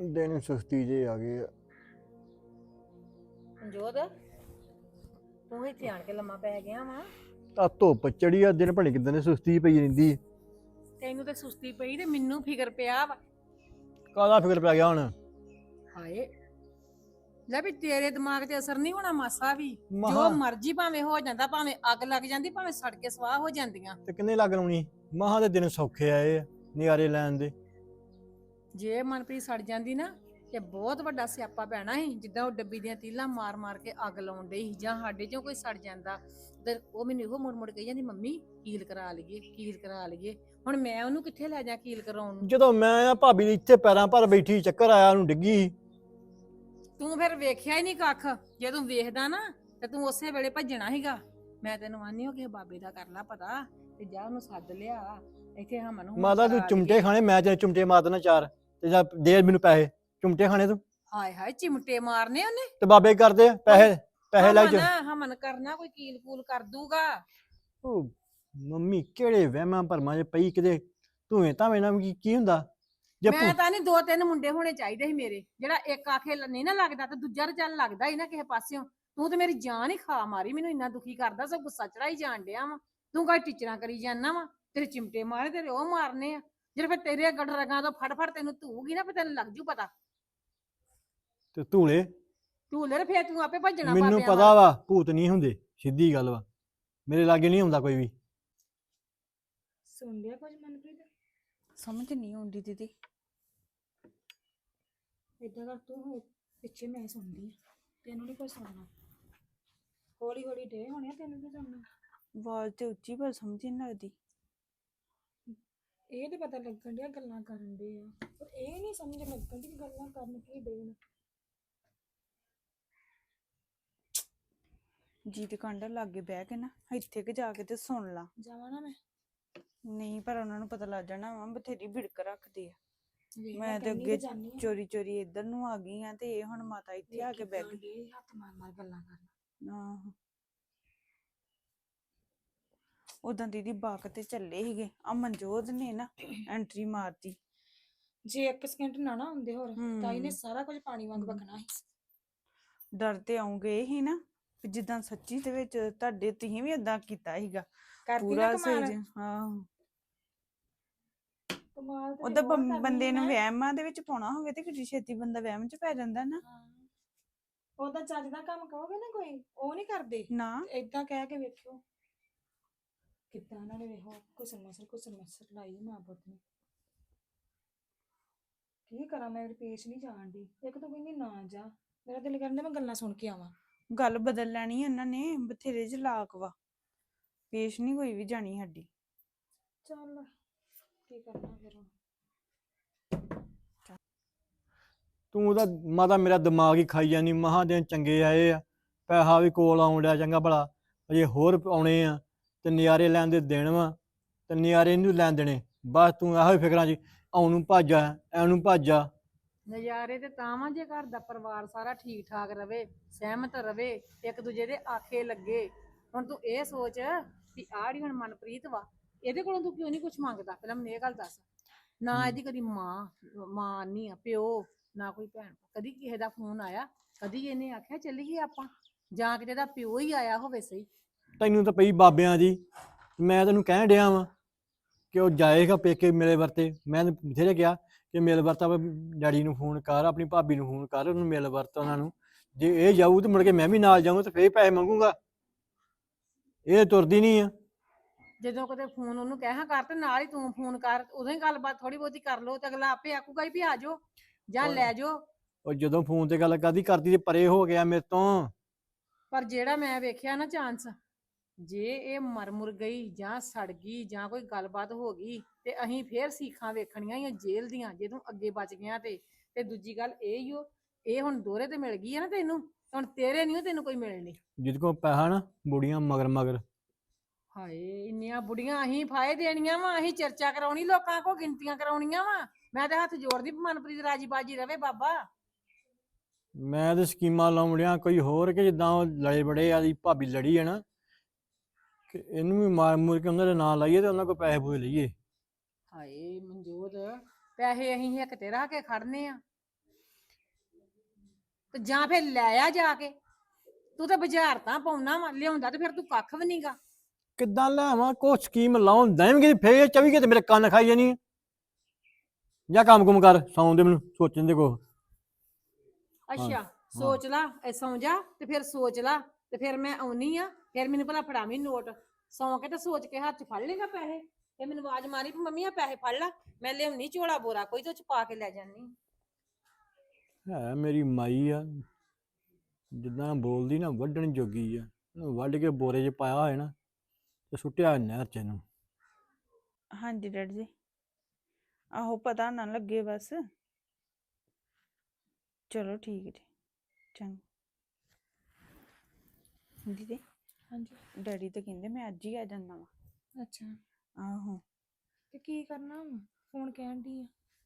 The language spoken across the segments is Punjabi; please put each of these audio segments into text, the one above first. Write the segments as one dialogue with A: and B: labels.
A: ਦਿਨ ਸੁਸਤੀ ਜੇ ਆ ਗਏ ਆ।
B: ਮਨਜੋਤ ਤੂੰ ਇੱਥੇ ਆਣ ਕੇ ਲੰਮਾ ਪੈ ਗਿਆ ਵਾ।
A: ਤਾਂ ਧੁੱਪ ਚੜੀ ਆ, ਦਿਨ ਭਣੇ ਕਿਦਾਂ ਦੀ ਸੁਸਤੀ ਪਈ ਰਹਿੰਦੀ।
B: ਤੈਨੂੰ ਤੇ ਸੁਸਤੀ ਪਈ ਤੇ ਮੈਨੂੰ ਫਿਕਰ ਪਿਆ ਵਾ।
A: ਕਾਹਦਾ ਫਿਕਰ ਪੈ ਗਿਆ ਹੁਣ?
B: ਹਾਏ ਲੈ ਵੀ ਤੇਰੇ ਦਿਮਾਗ ਤੇ ਅਸਰ ਨਹੀਂ ਹੋਣਾ ਮਾਸਾ ਵੀ।
A: ਮਹਾਂ-
B: ਜੋ ਮਰਜ਼ੀ ਭਾਵੇਂ ਹੋ ਜਾਂਦਾ, ਭਾਵੇਂ ਅੱਗ ਲੱਗ ਜਾਂਦੀ, ਭਾਵੇਂ ਸੜ ਕੇ ਸਵਾਹ ਹੋ ਜਾਂਦੀਆਂ।
A: ਤੇ ਕਿੰਨੇ ਲੱਗ ਲਾਉਣੀ? ਮਹਾਂ ਦੇ ਦਿਨ ਸੌਖੇ ਆਏ ਆ ਨਿਆਰੇ ਲੈਣ ਦੇ।
B: ਜੇ ਮਨਪ੍ਰੀਤ ਸੜ ਜਾਂਦੀ ਨਾ ਤੇ ਬਹੁਤ ਵੱਡਾ ਸਿਆਪਾ ਪੈਣਾ ਸੀ। ਜਿੱਦਾਂ ਉਹ ਡੱਬੀ ਦੀਆਂ ਤੀਲਾਂ ਮਾਰ ਮਾਰ ਕੇ ਅੱਗ ਲਾਉਣ ਡਈ ਸੀ, ਜਾਂ ਸਾਡੇ ਚੋਂ ਕੋਈ ਸੜ ਜਾਂਦਾ ਤੇ ਉਹ ਮੈਨੂੰ ਇਹੋ ਮੁੜ ਮੁੜ ਕਹੀ ਜਾਂਦੀ, ਮੰਮੀ ਕੀਲ ਕਰਾ ਲਈਏ, ਕੀਲ ਕਰਾ ਲਈਏ। ਹੁਣ ਮੈਂ ਉਹਨੂੰ ਕਿੱਥੇ ਲੈ ਜਾ ਕੀਲ ਕਰਾਉਣ ਨੂੰ?
A: ਜਦੋਂ ਮੈਂ ਆ ਭਾਬੀ ਦੇ ਇੱਥੇ ਪੈਰਾਂ ਭਰ ਬੈਠੀ, ਚੱਕਰ ਆਇਆ, ਉਹਨੂੰ ਡਿੱਗੀ।
B: ਤੂੰ ਫਿਰ ਵੇਖਿਆ ਹੀ ਨਹੀਂ ਕੱਖ। ਜੇ ਤੂੰ ਵੇਖਦਾ ਨਾ ਤੇ ਤੂੰ ਉਸੇ ਵੇਲੇ ਭੱਜਣਾ ਸੀਗਾ। ਮੈਂ ਤੈਨੂੰ ਆਨੀ ਹਾਂ ਕਿ ਬਾਬੇ ਦਾ ਕਰ ਲੈ ਪਤਾ ਤੇ ਜਾ ਉਹਨੂੰ ਸੱਦ ਲਿਆ ਇੱਥੇ ਹਮਨ ਨੂੰ।
A: ਮਾਤਾ ਤੂੰ ਚੁੰਮਟੇ ਖਾਣੇ, ਮੈਂ ਤੇਰੇ ਚੁੰਮਟੇ ਮਾਰ ਦੇਣਾ 4 ਤੇ ਜਾਂ ਦੇ ਮੈਨੂੰ ਪੈਸੇ ਚੁੰਮਟੇ ਖਾਣੇ ਤੂੰ।
B: ਹਾਏ ਹਾਏ ਚਿਮਟੇ ਮਾਰਨੇ ਉਹਨੇ।
A: ਤੇ ਬਾਬੇ ਕਰਦੇ ਆ, ਪੈਸੇ ਲੈ ਜਾ।
B: ਹਮਨ ਕਰਨਾ ਕੋਈ ਕੀਲ ਕੂਲ ਕਰ ਦੂਗਾ।
A: ਉਹ ਮੰਮੀ ਕਿਹੜੇ ਵਹਿਮਾਂ ਭਰਮਾਂ 'ਚ ਪਈ ਕਿਤੇ ਧੂਏ ਧਾਵੇਂ ਨਾਲ ਕੀ ਹੁੰਦਾ? ਜੇ
B: ਮੈਂ ਤਾਂ ਨਹੀਂ 2-3 ਮੁੰਡੇ ਹੋਣੇ ਚਾਹੀਦੇ ਸੀ ਮੇਰੇ, ਜਿਹੜਾ ਇੱਕ ਆਖੇ ਨਹੀਂ ਨਾ ਲੱਗਦਾ ਤੇ ਦੂਜਾ ਤਾਂ ਚੱਲ ਲੱਗਦਾ ਹੀ ਨਾ ਕਿਸੇ ਪਾਸਿਓਂ। ਤੂੰ ਤੇ ਮੇਰੀ ਜਾਨ ਹੀ ਖਾ ਮਾਰੀ, ਮੈਨੂੰ ਇੰਨਾ ਦੁਖੀ ਕਰਦਾ, ਸਭ ਗੁੱਸਾ ਚੜਾਈ ਜਾਣ ਡਿਆ ਵਾ। ਤੂੰ ਕਾ ਟੀਚਰਾਂ ਕਰੀ ਜਾਂਦਾ ਵਾ, ਤੇਰੇ ਚਿਮਟੇ ਮਾਰੇ ਤੇਰੇ ਉਹ ਮਾਰਨੇ ਆ ਜਿਹੜੇ ਫਿਰ ਤੇਰੇ ਗੱਡ ਰਗਾਂ ਤੋਂ ਫੜ ਫੜ ਤੈਨੂੰ ਧੂਗੀ ਨਾ, ਫਿਰ ਤੈਨੂੰ ਲੱਗ ਜੂ ਪਤਾ।
A: ਤੇ ਧੂਲੇ
B: ਧੂਲੇ ਫੇਰ ਤੂੰ ਆਪੇ ਭੱਜਣਾ।
A: ਮੈਨੂੰ ਪਤਾ ਵਾ ਭੂਤ ਨਹੀਂ ਹੁੰਦੇ, ਸਿੱਧੀ ਗੱਲ ਵਾ। ਮੇਰੇ ਲਾਗੇ ਨਹੀਂ ਹੁੰਦਾ ਕੋਈ ਵੀ।
C: ਸੁਣ ਲਿਆ ਕੁਝ ਮਨਪ੍ਰੀਤ?
D: ਸਮਝ ਨਹੀਂ ਆਉਂਦੀ ਦੀਦੀ।
C: ਏਦਾਂ ਕਰ ਤੂੰ ਹੋ ਪਿੱਛੇ, ਮੈਂ ਸੁਣਦੀ ਆ, ਤੈਨੂੰ ਨਹੀਂ ਕੁਝ ਸੁਣਨਾ। ਹੌਲੀ ਹੌਲੀ ਡੇ ਹੋਣੇ ਆ, ਤੈਨੂੰ ਕੀ ਸੁਣਨਾ?
D: ਆਵਾਜ਼ ਤੇ ਉੱਚੀ ਪਰ ਸਮਝ ਨਹੀਂ ਲੱਗਦੀ।
C: ਇਹ ਤੇ ਪਤਾ ਲੱਗਣ ਡਿਆ ਗੱਲਾਂ ਕਰਨ ਦੇ ਆ, ਪਰ ਇਹ ਨਹੀਂ ਸਮਝ ਲੱਗਣ ਦੀ ਗੱਲਾਂ ਕਰਨ ਕੀ ਦੇਣ।
D: ਜੀ ਦੇ ਕੰਡਾ ਲਾਗੇ ਬਹਿ ਕੇ ਨਾ ਇੱਥੇ ਕਿ ਜਾ ਕੇ ਤੇ ਸੁਣ ਲਾ।
C: ਜਾਵਾਂ ਨਾ ਮੈਂ?
D: ਨਹੀਂ, ਪਰ ਉਹਨਾਂ ਨੂੰ ਪਤਾ ਲੱਗ ਜਾਣਾ ਵਾ, ਬਥੇਰੀ ਭਿੜਕ ਰੱਖਦੇ ਆ।
C: ਵੇਖ ਲੈ,
D: ਮੈਂ ਤੇ
C: ਕਹਿੰਦੀ
D: ਅੱਗੇ
C: ਜਾਂਦੀ ਆ।
D: ਚੋਰੀ ਚੋਰੀ ਇੱਧਰ ਨੂੰ ਆ ਗਈ ਆ ਤੇ ਇਹ ਹੁਣ ਮਾਤਾ ਇੱਥੇ ਆ ਕੇ ਬਹਿ ਗਈ।
C: ਡੇ ਹੱਥ ਮਾਰ ਮਾਰ ਗੱਲਾਂ ਕਰਨ।
D: ਆਹੋ, ਉਦਾਂ ਦੀਦੀ ਬਾਕ ਤੇ ਚੱਲੇ ਸੀਗੇ, ਆ ਮਨਜੋਤ ਨੇ ਨਾ ਐਂਟਰੀ ਮਾਰਤੀ।
C: ਜੇ 1 ਸਕਿੰਟ ਨਾ ਨਾ ਹੁੰਦੇ ਹੋਰ ਤਾਂ ਇਹਨੇ ਸਾਰਾ ਕੁਝ ਪਾਣੀ ਵਾਂਗ ਵਗਣਾ ਸੀ।
D: ਡਰ ਤੇ ਆਉਂਗੇ ਹੀ ਨਾ, ਵੀ ਜਿੱਦਾਂ ਸੱਚੀ ਦੇ ਵਿੱਚ ਤੁਹਾਡੇ ਤੁਸੀਂ ਵੀ ਏਦਾਂ ਕੀਤਾ ਸੀਗਾ
C: ਕਰਦੀ ਨਾ
D: ਪੂਰਾ
C: ਕਮਾਲ।
D: ਸਹੀ। ਹਾਂ,
C: ਕਮਾਲ ਤੇ
D: ਉਹਦਾ
C: ਹੋਰ ਕਰਦੀ
D: ਬੰਦੇ ਨੂੰ
C: ਮੈਂ।
D: ਵਹਿਮਾਂ ਦੇ ਵਿੱਚ ਪਾਉਣਾ ਹੋਵੇ ਤੇ ਕਿੱਡੀ ਛੇਤੀ ਬੰਦਾ ਵਹਿਮ ਚ ਪੈ ਜਾਂਦਾ ਨਾ।
C: ਉਹਦਾ ਚੱਜ ਦਾ ਕੰਮ ਕਹੋਗੇ ਨਾ ਕੋਈ, ਉਹ ਨਹੀਂ ਕਰਦੇ।
D: ਨਾ
C: ਏਦਾਂ ਕਹਿ ਕੇ ਵੇਖਿਓ ਕਿੱਦਾਂ ਉਹਨਾਂ ਨੇ ਵੇਖੋ ਕੁਸਨ ਮਸਰ ਲਾਈ ਮਾਂ ਪੁੱਤ ਨੇ। ਕੀ ਕਰਾਂ ਮੈਂ, ਪੇਸ਼ ਨਹੀਂ ਜਾਣ ਦੀ। ਇੱਕ ਤਾਂ ਕਹਿੰਦੀ ਨਾ ਜਾ, ਮੇਰਾ ਦਿਲ ਕਰਦਾ ਮੈਂ ਗੱਲਾਂ ਸੁਣ ਕੇ ਆਵਾਂ।
D: ਗੱਲ ਬਦਲ ਲੈਣੀ ਉਹਨਾਂ ਨੇ, ਬਥੇਰੇ ਚਲਾਕ ਵਾ। ਪੇਸ਼ ਨਹੀਂ ਕੋਈ ਵੀ ਜਾਣੀ ਸਾਡੀ।
C: ਚੱਲ ਕੀ ਕਰਨਾ ਫਿਰ ਹੁਣ।
A: ਤੂੰ ਉਹਦਾ ਮਾਤਾ ਮੇਰਾ ਦਿਮਾਗ ਹੀ ਖਾਈ ਜਾਨੀ। ਮਹਾਂ ਦਿਨ ਚੰਗੇ ਆਏ ਆ, ਪੈਸਾ ਵੀ ਕੋਲ ਆਉਣ ਡਿਆ ਚੰਗਾ ਭਲਾ, ਅਜੇ ਹੋਰ ਆਉਣੇ ਆ ਤੇ ਨਜ਼ਾਰੇ ਲੈਣ ਦੇ ਦਿਨ ਵਾ ਤੇ ਨਜ਼ਾਰੇ ਨਹੀਂ ਲੈਣ ਦੇਣੇ। ਬਸ ਤੂੰ ਇਹੋ ਹੀ ਫਿਕਰਾਂ 'ਚ ਆਉਣ ਨੂੰ ਭੱਜ ਆ, ਐਨੂੰ ਭੱਜ ਆ।
B: ਨਜ਼ਾਰੇ ਤੇ ਤਾਂ ਵਾਂ ਜੇ ਘਰ ਦਾ ਪਰਿਵਾਰ ਸਾਰਾ ਠੀਕ ਠਾਕ ਰਵੇ, ਸਹਿਮਤ ਰਵੇ, ਇੱਕ ਦੂਜੇ ਦੇ ਆਖੇ ਲੱਗੇ। ਹੁਣ ਤੂੰ ਇਹ ਸੋਚ ਵੀ ਆੜੀ ਹੁਣ ਮਨਪ੍ਰੀਤ ਵਾ, ਇਹਦੇ ਕੋਲੋਂ ਤੂੰ ਕਿਉਂ ਨਹੀਂ ਕੁਝ ਮੰਗਦਾ? ਪਹਿਲਾਂ ਮੈਨੂੰ ਇਹ ਗੱਲ ਦੱਸ। ਨਾ ਇਹਦੀ ਕਦੀ ਮਾਂ ਨਹੀਂ ਆ, ਪਿਓ ਨਾ ਕੋਈ ਭੈਣ। ਕਦੀ ਕਿਸੇ ਦਾ ਫੋਨ ਆਇਆ? ਕਦੀ ਇਹਨੇ ਆਖਿਆ ਚੱਲੀਏ ਆਪਾਂ? ਜਾਂ ਕਿਤੇ ਦਾ ਪਿਓ ਹੀ ਆਇਆ ਹੋਵੇ ਸਹੀ।
A: ਤੈਨੂੰ ਤਾਂ ਪਈ ਬਾਬਿਆਂ ਦੀ। ਮੈਂ ਤੈਨੂੰ ਕਹਿਣ ਡਿਆ ਵਾਂ ਕਿ ਉਹ ਜਾਏਗਾ ਪੇਕੇ ਮੇਰੇ ਵਰਤੇ। ਮੈਂ ਬਥੇਰੇ ਕਿਹਾ ਕਿ ਮਿਲ ਵਰਤ ਡੈਡੀ ਨੂੰ ਫੋਨ ਕਰ, ਆਪਣੀ ਭਾਬੀ ਨੂੰ ਫੋਨ ਕਰ, ਉਹਨੂੰ ਮਿਲ ਵਰਤ ਉਹਨਾਂ ਨੂੰ। ਜੇ ਇਹ ਜਾਊ ਤੇ ਮੁੜ ਕੇ ਮੈਂ ਵੀ ਨਾਲ ਜਾਊਂ ਤੇ ਫੇਰ ਪੈਸੇ ਮੰਗੂਗਾ। ਇਹ ਤੁਰਦੀ ਨਹੀਂ ਆ।
B: ਜਦੋਂ ਕਦੇ ਫੋਨ ਉਹਨੂੰ ਕਹਿਆ ਕਰ ਤੇ ਨਾਲ ਹੀ ਤੂੰ ਫੋਨ ਕਰ, ਉਦੋਂ ਹੀ ਗੱਲਬਾਤ ਥੋੜੀ ਬਹੁਤੀ ਕਰ ਲੋ ਤੇ ਅਗਲਾ ਆਪੇ ਆਖੂਗਾ ਵੀ ਆ ਜਾਓ ਜਾਂ ਲੈ ਜਾਓ।
A: ਉਹ ਜਦੋਂ ਫੋਨ ਤੇ ਗੱਲ ਕਰਦੀ ਤੇ ਪਰੇ ਹੋ ਗਿਆ ਮੇਰੇ ਤੋਂ।
B: ਪਰ ਜਿਹੜਾ ਮੈਂ ਵੇਖਿਆ ਨਾ ਚਾਂਸ, ਜੇ ਇਹ ਮਰ ਮੁਰ ਗਈ ਜਾਂ ਸੜ ਗਈ ਜਾਂ ਕੋਈ ਗੱਲਬਾਤ ਹੋ ਗਈ ਤੇ ਅਸੀਂ ਫੇਰ ਸੀਖਾਂ ਵੇਖਣੀਆਂ ਹੀ ਜੇਲ੍ਹ ਦੀਆਂ, ਜੇ ਤੂੰ ਅੱਗੇ ਬਚ ਗਿਆ ਤੇ ਦੂਜੀ ਗੱਲ ਇਹ ਹੀ ਓ, ਇਹ ਹੁਣ ਦੋਹਰੇ ਤੇ ਮਿਲ ਗਈ ਹੈ ਨਾ ਤੈਨੂੰ, ਹੁਣ ਤੇਰੇ ਨਹੀਂ ਤੈਨੂੰ ਕੋਈ ਮਿਲਣੀ।
A: ਜਿਹਦੇ ਕੋਲ ਪੈਸਾ ਨਾ ਬੁੜੀਆਂ ਮਗਰ ਮਗਰ।
B: ਹਾਏ ਇੰਨੀਆਂ ਬੁੜੀਆਂ ਅਸੀਂ ਫਾਇ ਦੇਣੀਆਂ ਵਾ, ਅਸੀਂ ਚਰਚਾ ਕਰਾਉਣੀ ਲੋਕਾਂ ਕੋ, ਗਿਣਤੀਆਂ ਕਰਾਉਣੀਆਂ ਵਾ। ਮੈਂ ਤੇ ਹੱਥ ਜੋੜਦੀ ਮਨਪ੍ਰੀਤ ਰਾਜੀ ਬਾਜੀ ਰਵੇ ਬਾਬਾ।
A: ਮੈਂ ਤੇ ਸਕੀਮਾਂ ਲਾਉਣ ਡਿਆ ਕੋਈ ਹੋਰ, ਕਿ ਜਿੱਦਾਂ ਉਹ ਲੜੇ ਬੜੇ ਆ ਦੀ ਭਾਬੀ ਲੜੀ ਹੈ ਨਾ, ਕਿ ਇਹਨੂੰ ਵੀ ਮਾਰ ਮੂਰ ਕੇ ਉਹਨਾਂ ਦੇ ਨਾਂ ਲਾਈਏ ਤੇ ਉਹਨਾਂ ਕੋਲ ਪੈਸੇ ਪੂਸੇ ਲਈਏ।
B: ਹਾਏ ਮਨਜੋਤ, ਪੈਸੇ ਅਸੀਂ ਹਿੱਕ ਤੇ ਰੱਖ ਕੇ ਖੜਨੇ ਆ ਤੇ ਜਾਂ ਫਿਰ ਲੈ ਆ ਜਾ ਕੇ। ਤੂੰ ਤਾਂ ਬਾਜ਼ਾਰ ਤਾਂ ਪਾਉਣਾ ਵਾ, ਲਿਆਉਂਦਾ ਤੇ ਫਿਰ ਤੂੰ ਕੱਖ ਵੀ ਨਹੀਂਗਾ।
A: ਕਿੱਦਾਂ ਲਿਆਵਾਂ ਕੋ ਸਕੀਮ ਲਾਉਣ ਦੇਣਗੇ ਫੇਰ 24 ਘੰਟੇ ਮੇਰੇ ਕੰਨ ਖਾਈ ਜਾਣੀ ਆ। ਜਾਂ ਕੰਮ ਕੁਮ ਕਰ ਸੌਂ ਦੇ ਮੈਨੂੰ ਸੋਚਣ ਦੇ ਕੋ।
B: ਅੱਛਾ ਸੋਚ ਲਾ, ਸੌਂ ਜਾ ਤੇ ਫਿਰ ਸੋਚ ਲਾ ਤੇ ਫਿਰ ਮੈਂ ਆਉਣੀ ਆ, ਫਿਰ ਮੈਨੂੰ ਭਲਾ ਫੜਾਵੀਂ ਨੋਟ। ਸੌਂ ਕੇ ਤੇ ਸੋਚ ਕੇ ਹੱਥ 'ਚ ਫੜ ਲੇਗਾ ਪੈਸੇ ਤੇ ਮੈਨੂੰ ਆਵਾਜ਼ ਮਾਰੀ ਵੀ ਮੰਮੀ ਆ ਪੈਸੇ ਫੜ ਲਾ, ਮੈਂ ਲਿਆਉਣੀ ਝੋਲਾ ਬੋਰਾ ਕੋਈ ਤੇ ਉਹ 'ਚ ਪਾ ਕੇ ਲੈ ਜਾਨੀ।
A: ਹੈ ਮੇਰੀ ਮਾਈ ਆ, ਜਿੱਦਾਂ ਬੋਲਦੀ ਨਾ ਵੱਢਣ ਜੋਗੀ ਆ। ਇਹਨੂੰ ਵੱਢ ਕੇ ਬੋਰੇ 'ਚ ਪਾਇਆ ਹੋਇਆ ਨਾ ਤੇ ਸੁੱਟਿਆ ਨਹਿਰ 'ਚ ਇਹਨੂੰ।
D: ਹਾਂਜੀ ਡੈਡੀ ਜੀ, ਆਹੋ ਪਤਾ ਨਾ ਲੱਗੇ ਬਸ। ਚਲੋ ਠੀਕ ਜੀ, ਚੰਗਾ। ਦੀਦੀ
C: ਹਾਂਜੀ
D: ਡੈਡੀ ਤਾਂ ਕਹਿੰਦੇ ਮੈਂ ਅੱਜ ਹੀ ਆ ਜਾਂਦਾ ਵਾ।
C: ਅੱਛਾ
D: ਆਹੋ
C: ਤੇ ਕੀ ਕਰਨਾ ਵਾ? ਫੋਨ ਕਹਿਣ ਦੀ ਆ।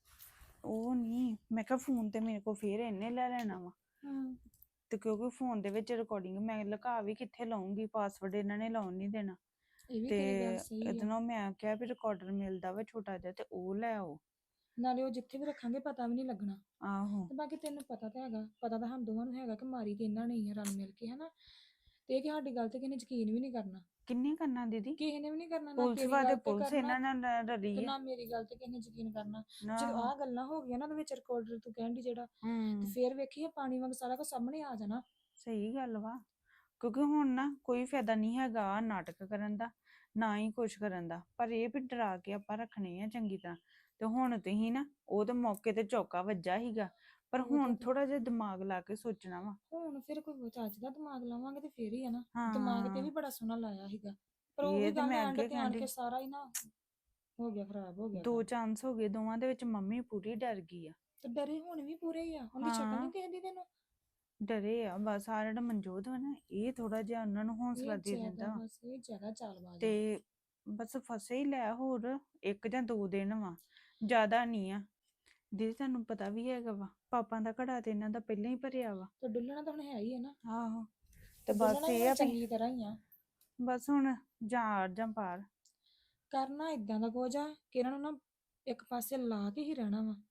D: ਉਹ ਨਹੀਂ, ਮੈਂ ਕਿਹਾ ਫੋਨ ਤੇ ਮੇਰੇ ਕੋਲ ਫੇਰ ਇਹਨੇ ਲੈ ਲੈਣਾ ਵਾ।
C: ਹਾਂ
D: ਤੇ ਕਿਉਂਕਿ ਫੋਨ ਦੇ ਵਿੱਚ ਰਿਕਾਰਡਿੰਗ ਮੈਂ ਲੁਕਾ ਵੀ ਕਿੱਥੇ ਲਾਉਂਗੀ, ਪਾਸਵਰਡ ਇਹਨਾਂ ਨੇ ਲਾਉਣ ਨਹੀਂ ਦੇਣਾ।
C: ਇਹ ਵੀ
D: ਤੇ
C: ਤੇਰੀ ਗੱਲ ਸਹੀ
D: ਇਹਦੇ
C: ਆ।
D: ਨਾਲ ਮੈਂ ਕਿਹਾ ਵੀ ਰਿਕਾਰਡਰ ਮਿਲਦਾ ਵਾ ਛੋਟਾ ਜਿਹਾ ਤੇ ਉਹ ਲੈ ਆਓ।
C: ਨਾਲੇ ਉਹ ਜਿੱਥੇ ਵੀ ਰੱਖਾਂਗੇ ਪਤਾ ਵੀ ਨਹੀਂ ਲੱਗਣਾ।
D: ਆਹੋ
C: ਤੇ ਬਾਕੀ ਤੈਨੂੰ ਪਤਾ ਤਾਂ ਹੈਗਾ, ਪਤਾ ਤਾਂ ਸਾਨੂੰ ਦੋਵਾਂ ਨੂੰ ਹੈਗਾ ਕਿ ਮਾਰੀ ਤੇ ਇਹਨਾਂ ਨੇ ਹੀ ਆ ਰਲ ਮਿਲ ਕੇ, ਹਨਾ। ਤੇ ਇਹ ਕਿ ਸਾਡੀ ਗੱਲ ਤੇ ਕਿਸੇ ਨੇ ਯਕੀਨ ਵੀ ਨਹੀਂ ਕਰਨਾ।
D: ਕਿੰਨੇ ਕਰਨਾ ਦੀਦੀ?
C: ਕਿਸੇ ਨੇ ਵੀ ਨਹੀਂ ਕਰਨਾ, ਨਾ
D: ਪੁਲਿਸ
C: ਤੇਰੀ
D: ਵਾਲੇ
C: ਗੱਲ ਤੇ
D: ਪੁਲਿਸ
C: ਕਰਨਾ
D: ਇਹਨਾਂ ਨਾਲ
C: ਤੇ
D: ਰਲੀ ਆ।
C: ਨਾ ਮੇਰੀ ਗੱਲ ਤੇ ਕਿਸੇ ਨੇ ਯਕੀਨ ਕਰਨਾ। ਜਦੋਂ
D: ਆਹੋ।
C: ਆਹ ਗੱਲਾਂ ਹੋ ਗਈਆਂ ਨਾ ਉਹਦੇ ਵਿੱਚ ਰਿਕਾਰਡਰ ਤੂੰ ਕਹਿਣ ਦੀ ਜਿਹੜਾ, ਤੇ
D: ਹੂੰ
C: ਫੇਰ ਵੇਖੀਏ ਪਾਣੀ ਵਾਂਗ ਸਾਰਾ ਕੁਝ ਸਾਹਮਣੇ ਆ ਜਾਣਾ।
D: ਸਹੀ ਗੱਲ ਵਾ, ਕਿਉਂਕਿ ਹੁਣ ਨਾ ਕੋਈ ਫਾਇਦਾ ਨਹੀਂ ਹੈਗਾ ਆਹ ਨਾਟਕ ਕਰਨ ਦਾ, ਨਾ ਹੀ ਕੁਛ ਕਰਨ ਦਾ। ਪਰ ਇਹ ਵੀ ਡਰਾ ਕੇ ਆਪਾਂ ਰੱਖਣੇ ਆ ਚੰਗੀ ਤਰ੍ਹਾਂ। ਤੇ ਹੁਣ ਤੁਸੀਂ ਨਾ ਉਹ ਤਾਂ ਮੌਕੇ ਤੇ ਚੌਕਾ ਵੱਜਾ ਸੀਗਾ, ਪਰ
C: ਉਹ ਤਾਂ
D: ਹੁਣ ਥੋੜਾ ਜਿਹਾ ਦਿਮਾਗ ਲਾ ਕੇ ਸੋਚਣਾ ਵਾ।
C: ਹੁਣ ਫਿਰ ਕੋਈ ਚੱਜ ਦਾ ਦਿਮਾਗ ਲਾਵਾਂਗੇ ਤੇ ਫੇਰ ਹੀ ਆ ਨਾ।
D: ਹਾਂ
C: ਦਿਮਾਗ ਤੇ ਵੀ ਬੜਾ ਸੋਹਣਾ ਲਾਇਆ ਸੀਗਾ, ਪਰ ਉਹ ਵੀ
D: ਇਹ ਤੇ
C: ਗੱਲ
D: ਮੈਂ
C: ਐਂਡ
D: ਅੱਗੇ
C: ਤੇ ਆਣ ਕੇ
D: ਕਹਿੰਦੀ,
C: ਸਾਰਾ ਹੀ ਨਾ ਹੋ ਗਿਆ, ਖਰਾਬ ਹੋ ਗਿਆ
D: ਦੋ
C: ਕੰਮ।
D: ਚਾਂਸ ਹੋ ਗਏ ਦੋਵਾਂ ਦੇ ਵਿੱਚ, ਮੰਮੀ ਪੂਰੀ ਡਰ ਗਈ ਆ।
C: ਤੇ ਡਰੇ ਹੁਣ ਵੀ ਪੂਰੇ ਹੀ ਆ, ਉਹਦੀ ਸ਼ਕਲ
D: ਹਾਂ
C: ਨਹੀਂ ਦੇਖਦੀ ਤੈਨੂੰ?
D: ਡਰੇ ਆ ਬਸ। ਆ ਜਿਹੜਾ ਮਨਜੋਤ ਵਾ ਨਾ ਇਹ ਥੋੜਾ ਜਿਹਾ ਉਹਨਾਂ ਨੂੰ ਹੌਸਲਾ
C: ਇਹ
D: ਦੇ
C: ਜ਼ਿਆਦਾ
D: ਦਿੰਦਾ ਵਾ।
C: ਬਸ, ਇਹ ਜ਼ਿਆਦਾ ਚਾਲਬਾਜ਼ ਆ।
D: ਤੇ ਬਸ ਫਸੇ ਹੀ ਲੈ, ਹੋਰ 1 ਜਾਂ 2 ਦਿਨ ਵਾ, ਜ਼ਿਆਦਾ ਨਹੀਂ ਆ। ਦੀਦੀ ਤੁਹਾਨੂੰ ਪਤਾ ਵੀ ਹੈਗਾ ਵਾ, ਪਾਪਾ ਦਾ ਘੜਾ ਤੇ ਇਹਨਾਂ ਦਾ ਪਹਿਲਾਂ ਹੀ ਭਰਿਆ ਵਾ।
C: ਤੇ ਡੁੱਲਣਾ ਤਾਂ ਹੁਣ ਹੈ ਹੀ ਹੈ ਨਾ।
D: ਆਹੋ ਤੇ ਬਸ
C: ਡੁੱਲਣਾ ਵੀ
D: ਇਹ
C: ਹੁਣ
D: ਆ ਵੀ
C: ਚੰਗੀ ਤਰ੍ਹਾਂ ਹੀ ਆ।
D: ਬਸ ਹੁਣ ਜਾਂ ਆਰ ਜਾਂ ਪਾਰ।
C: ਕਰਨਾ ਇਦਾਂ ਦਾ ਕੁਝ ਆ ਕਿ ਇਹਨਾਂ ਨੂੰ ਨਾ ਇੱਕ ਪਾਸੇ ਲਾ ਕੇ ਹੀ ਰਹਿਣਾ ਵਾ।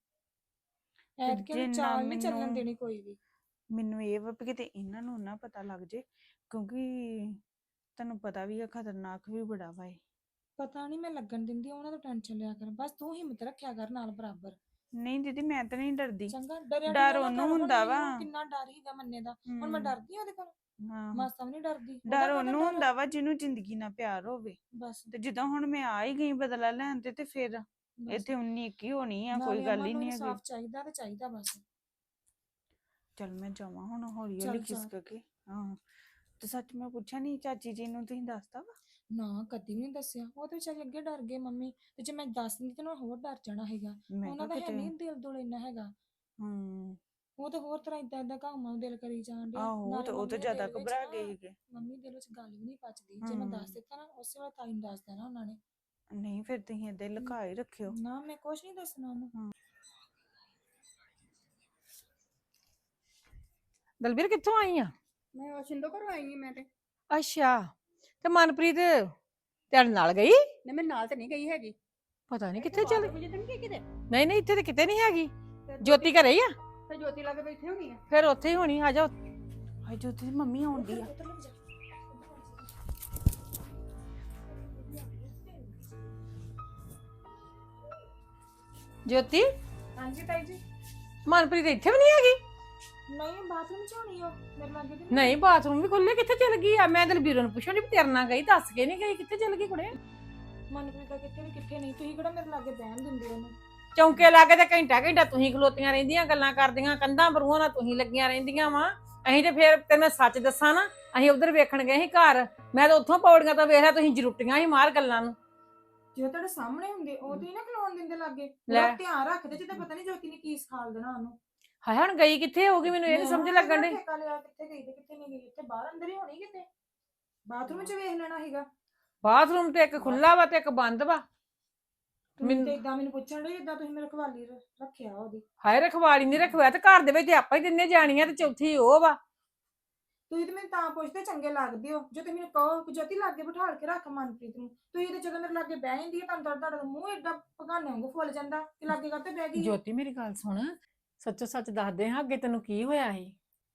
D: ਤੇ
C: ਐਤਕੀ ਉਹਨੂੰ
D: ਜਿੰਨਾ
C: ਚਾਲ ਨਹੀਂ ਚੱਲਣ ਦੇਣੀ ਕੋਈ ਵੀ।
D: ਮੈਨੂੰ ਇਹ ਵਾ ਵੀ ਕਿਤੇ ਇਹਨਾਂ ਨੂੰ ਨਾ ਪਤਾ ਲੱਗ ਜੇ, ਕਿਉਂਕਿ ਤੁਹਾਨੂੰ ਪਤਾ ਵੀ ਆ ਖਤਰਨਾਕ ਵੀ ਬੜਾ ਵਾ ਇਹ।
C: ਪਤਾ ਨਹੀਂ ਮੈਂ ਲੱਗਣ ਦਿੰਦੀ, ਉਹਨਾਂ ਤੋਂ ਟੈਨਸ਼ਨ ਲਿਆ ਕਰ ਬਸ। ਤੂੰ ਹਿੰਮਤ ਰੱਖਿਆ ਕਰ ਨਾਲ ਬਰਾਬਰ।
D: ਨਹੀਂ ਦੀਦੀ ਮੈਂ ਤਾਂ ਨਹੀਂ ਡਰਦੀ,
C: ਚੰਗਾ ਡਰਿਆ
D: ਡਰ
C: ਡਰਿਆ ਨਾ
D: ਉਹਨੂੰ
C: ਕਰ। ਹੁਣ
D: ਹੁੰਦਾ ਵਾ।
C: ਮੈਨੂੰ ਕਿੰਨਾ ਡਰ ਹੀਗਾ ਮੰਨੇ ਦਾ, ਹੁਣ ਮੈਂ ਡਰਦੀ ਆ ਉਹਦੇ ਕੋਲ?
D: ਆਹੋ
C: ਮਾਸਾ ਵੀ ਨਹੀਂ ਡਰਦੀ।
D: ਡਰ
C: ਉਹਦਾ ਕਾਹਦਾ
D: ਉਹਨੂੰ
C: ਡਰ ਆ?
D: ਹੁੰਦਾ ਵਾ ਜਿਹਨੂੰ ਜ਼ਿੰਦਗੀ ਨਾਲ ਪਿਆਰ ਹੋਵੇ।
C: ਬਸ
D: ਤੇ ਜਿੱਦਾਂ ਹੁਣ ਮੈਂ ਆ ਹੀ ਗਈ ਬਦਲਾ ਲੈਣ ਤੇ ਫਿਰ
C: ਬਸ
D: ਇੱਥੇ 19 21 ਹੋਣੀ ਆ, ਕੋਈ
C: ਨਾਲੇ
D: ਗੱਲ
C: ਅਮਨ
D: ਹੀ
C: ਨੂੰ
D: ਨਹੀਂ ਹੈਗੀ।
C: ਇਨਸਾਫ ਚਾਹੀਦਾ ਤੇ ਚਾਹੀਦਾ ਬਸ।
D: ਚਲ ਮੈਂ ਜਾਵਾਂ ਹੁਣ ਹੌਲੀ
C: ਚੱਲ
D: ਹੌਲੀ
C: ਜਾ।
D: ਖਿਸਕ ਕੇ। ਆਹੋ ਤੇ ਸੱਚ ਮੈਂ ਪੁੱਛਿਆ ਨਹੀਂ ਚਾਚੀ ਜੀ ਨੂੰ, ਤੁਸੀਂ ਦੱਸਤਾ ਵਾ?
C: ਨਾ ਕਦੀ ਵੀ ਨਹੀਂ ਦੱਸਿਆ। ਉਹ ਤੇ ਵਿਚਾਰੇ ਅੱਗੇ ਡਰ ਗਏ ਮੰਮੀ, ਤੇ ਜੇ ਮੈਂ ਦੱਸ ਦਿੰਦੀ ਤੇ ਉਹਨਾਂ ਹੋਰ ਡਰ ਜਾਣਾ ਹੈਗਾ।
D: ਮੈਂ
C: ਉਹਨਾਂ
D: ਕਿਹਾ
C: ਦਾ ਹੈ
D: ਕਿਤੇ
C: ਨਹੀਂ ਦਿਲ ਦੁਲ ਇੰਨਾ ਹੈਗਾ।
D: ਹੂੰ
C: ਉਹ ਤਾਂ ਹੋਰ ਤਰ੍ਹਾਂ ਇਦਾਂ ਇਦਾਂ ਘਾਉ ਦਿਲ ਕਰੀ ਜਾਣ ਡਿਆ।
D: ਆਹੋ
C: ਨਾਲੇ
D: ਤੇ ਉਹ ਤਾਂ
C: ਮੰਮੀ ਦੇ
D: ਜ਼ਿਆਦਾ
C: ਦਿਲ ਵਿੱਚ
D: ਘਬਰਾ
C: ਨਾ,
D: ਗਏ ਸੀਗੇ।
C: ਮੰਮੀ ਦਿਲ ਵਿੱਚ ਗੱਲ ਵੀ ਨਹੀਂ ਪਚਦੀ। ਜੇ ਮੈਂ ਦੱਸ ਦਿੱਤਾ ਨਾ ਉਸੇ ਵੇਲੇ ਤਾਈ ਨੂੰ ਦੱਸ ਦੇਣਾ ਉਹਨਾਂ ਨੇ।
D: ਨਹੀਂ ਫਿਰ ਤੁਸੀਂ ਏਦਾਂ ਹੀ ਲੁਕਾ ਹੀ ਰੱਖਿਓ।
C: ਨਾ ਮੈਂ ਕੁਛ ਨਹੀਂ ਦੱਸਣਾ ਉਹਨੂੰ।
B: ਦਲਬੀਰ ਕਿੱਥੋਂ ਆਈ ਆ?
E: ਮੈਂ ਵਾਸ਼ਿੰਦੋ ਘਰੋਂ ਆਈ ਹਾਂ ਮੈਂ ਤੇ।
B: ਅੱਛਾ ਤੇ ਮਨਪ੍ਰੀਤ ਤੇਰੇ ਨਾਲ ਗਈ?
E: ਨਹੀਂ ਮੈਂ ਨਾਲ ਤੇ ਨਹੀਂ ਗਈ ਹੈਗੀ।
B: ਪਤਾ ਨਹੀਂ ਕਿੱਥੇ ਚਲ
E: ਵਜੇ ਤਾਂ ਨਹੀਂ ਗਈ ਕਿਤੇ।
B: ਨਹੀਂ ਨਹੀਂ ਇੱਥੇ ਤੇ ਕਿਤੇ ਨਹੀਂ ਹੈਗੀ।
E: ਤੇ
B: ਜੋਤੀ ਘਰੇ ਹੀ ਆ?
E: ਤੇ ਜੋਤੀ ਲਾ ਕੇ ਬੈਠੇ ਹੋਣੀ ਆ।
B: ਫਿਰ ਉੱਥੇ ਹੀ ਹੋਣੀ, ਆ ਜਾ।
D: ਹਾਏ ਜੋਤੀ ਦੀ ਮੰਮੀ ਆਉਂਦੀ ਆ।
B: ਜੋਤੀ
C: ਹਾਂਜੀ ਤਾਈ ਜੀ।
B: ਮਨਪ੍ਰੀਤ ਇੱਥੇ ਵੀ ਨਹੀਂ ਹੈਗੀ?
C: ਨਹੀਂ ਬਾਥਰੂਮ ਚ ਹੋਣੀ ਉਹ ਮੇਰੇ ਲਾਗੇ ਤੇ
B: ਨਹੀਂ ਬਾਥਰੂਮ ਵੀ ਖੁੱਲੇ, ਕਿੱਥੇ ਚਲ ਗਈ ਆ? ਮੈਂ ਦਲਬੀਰ ਨੂੰ ਪੁੱਛਣ ਡਈ ਵੀ ਤੇਰੇ ਨਾਲ ਗਈ, ਦੱਸ ਕੇ ਨਹੀਂ ਗਈ, ਕਿੱਥੇ ਚਲ ਗਈ ਕੁੜੇ?
C: ਮਨਪ੍ਰੀਤ ਦਾ ਕਿੱਥੇ ਵੀ ਕਿੱਥੇ ਨਹੀਂ। ਤੁਸੀਂ ਕਿਹੜਾ ਮੇਰੇ ਲਾਗੇ ਬਹਿਣ ਦਿੰਦੇ ਉਹਨੂੰ?
B: ਚੌਂਕੇ ਲਾਗੇ ਤੇ ਘੰਟਾ ਘੰਟਾ ਤੁਸੀਂ ਖਲੋਤੀਆਂ ਰਹਿੰਦੀਆਂ, ਗੱਲਾਂ ਕਰਦੀਆਂ, ਕੰਧਾਂ ਬਰੂਹਾਂ ਨਾਲ ਤੁਸੀਂ ਲੱਗੀਆਂ ਰਹਿੰਦੀਆਂ ਵਾ। ਅਸੀਂ ਤੇ ਫਿਰ ਤੇ ਮੈਂ ਸੱਚ ਦੱਸਾਂ ਨਾ, ਅਸੀਂ ਉਧਰ ਵੇਖਣ ਗਏ ਸੀ ਘਰ। ਮੈਂ ਤਾਂ ਉੱਥੋਂ ਪੌੜੀਆਂ ਤੋਂ ਵੇਖ ਲਿਆ, ਤੁਸੀਂ ਜਰੂਟੀਆਂ ਹੀ ਮਾਰ ਗੱਲਾਂ ਨੂੰ।
C: ਜੇ ਤੁਹਾਡੇ ਸਾਹਮਣੇ ਹੁੰਦੇ ਉਦੋਂ ਹੀ ਨਾ ਖਲੋਣ ਦਿੰਦੇ ਲਾਗੇ।
B: ਲੈ।
C: ਉਹਦਾ ਧਿਆਨ ਰੱਖਦੇ ਜਿੱਦਾਂ ਪਤਾ ਨਹੀਂ ਜੋਤੀ ਨੇ ਕੀ ਸਿਖਾਲ ਦੇਣਾ ਉਹਨੂੰ।
B: ਹਾਏ ਹੁਣ ਗਈ ਕਿੱਥੇ ਹੋਊਗੀ, ਮੈਨੂੰ ਇਹ ਨੀ ਸਮਝ ਲੱਗਣ ਡਈ।
C: ਠੇਕਾ ਲਿਆ ਕਿੱਥੇ ਗਈ ਤੇ ਕਿੱਥੇ ਨਹੀਂ ਗਈ। ਇੱਥੇ ਬਾਹਰ ਅੰਦਰ ਹੀ ਹੋਣੀ ਕਿਤੇ। ਬਾਥਰੂਮ 'ਚ ਵੇਖ ਲੈਣਾ ਸੀਗਾ।
B: ਬਾਥਰੂਮ ਤੇ ਇੱਕ ਖੁੱਲਾ ਵਾ ਤੇ ਇੱਕ ਬੰਦ ਵਾ।
C: ਮੈਨੂੰ ਤੇ ਇਦਾਂ ਮੈਨੂੰ ਪੁੱਛਣ ਲਈ ਜਿੱਦਾਂ ਤੁਸੀਂ ਮੇਰੇ ਖਵਾਲੀ ਰੱਖਿਆ ਉਹਦੀ।
B: ਹਾਏ ਰਖਵਾਲੀ ਨਹੀਂ ਰਖਵਾਇਆ ਤੇ ਘਰ ਦੇ ਵਿੱਚ ਆਪਾਂ ਹੀ ਤਿੰਨੇ ਜਾਣੀਆਂ ਤੇ ਚੌਥੀ ਉਹ ਵਾ।
C: ਤੁਸੀਂ ਤੇ ਮੈਨੂੰ ਤਾਂ ਪੁੱਛਦੇ ਚੰਗੇ ਲੱਗਦੇ ਹੋ ਜੇ ਤੁਸੀਂ ਮੈਨੂੰ ਕਹੋ ਕਿ ਜੋਤੀ ਲਾਗੇ ਬਿਠਾਲ ਕੇ ਰੱਖ ਮਨਪ੍ਰੀਤ ਨੂੰ। ਤੁਸੀਂ ਤੇ ਜਦੋਂ ਮੇਰੇ ਲਾਗੇ ਬਹਿ ਜਾਂਦੀ ਹੈ ਤੁਹਾਨੂੰ ਤੁਹਾਡਾ ਮੂੰਹ ਏਡਾ ਭਗਾਨੇ ਵਾਂਗੂ ਫੁੱਲ ਜਾਂਦਾ ਕਿ ਲਾਗੇ ਕਾਤੇ ਬਹਿ ਗਈ।
B: ਜੋਤੀ ਮੇਰੀ ਗੱਲ ਸੁਣ, ਸੱਚੋ ਸੱਚ ਦੱਸਦੇ ਹਾਂ ਅੱਗੇ ਤੈਨੂੰ ਕੀ ਹੋਇਆ ਸੀ?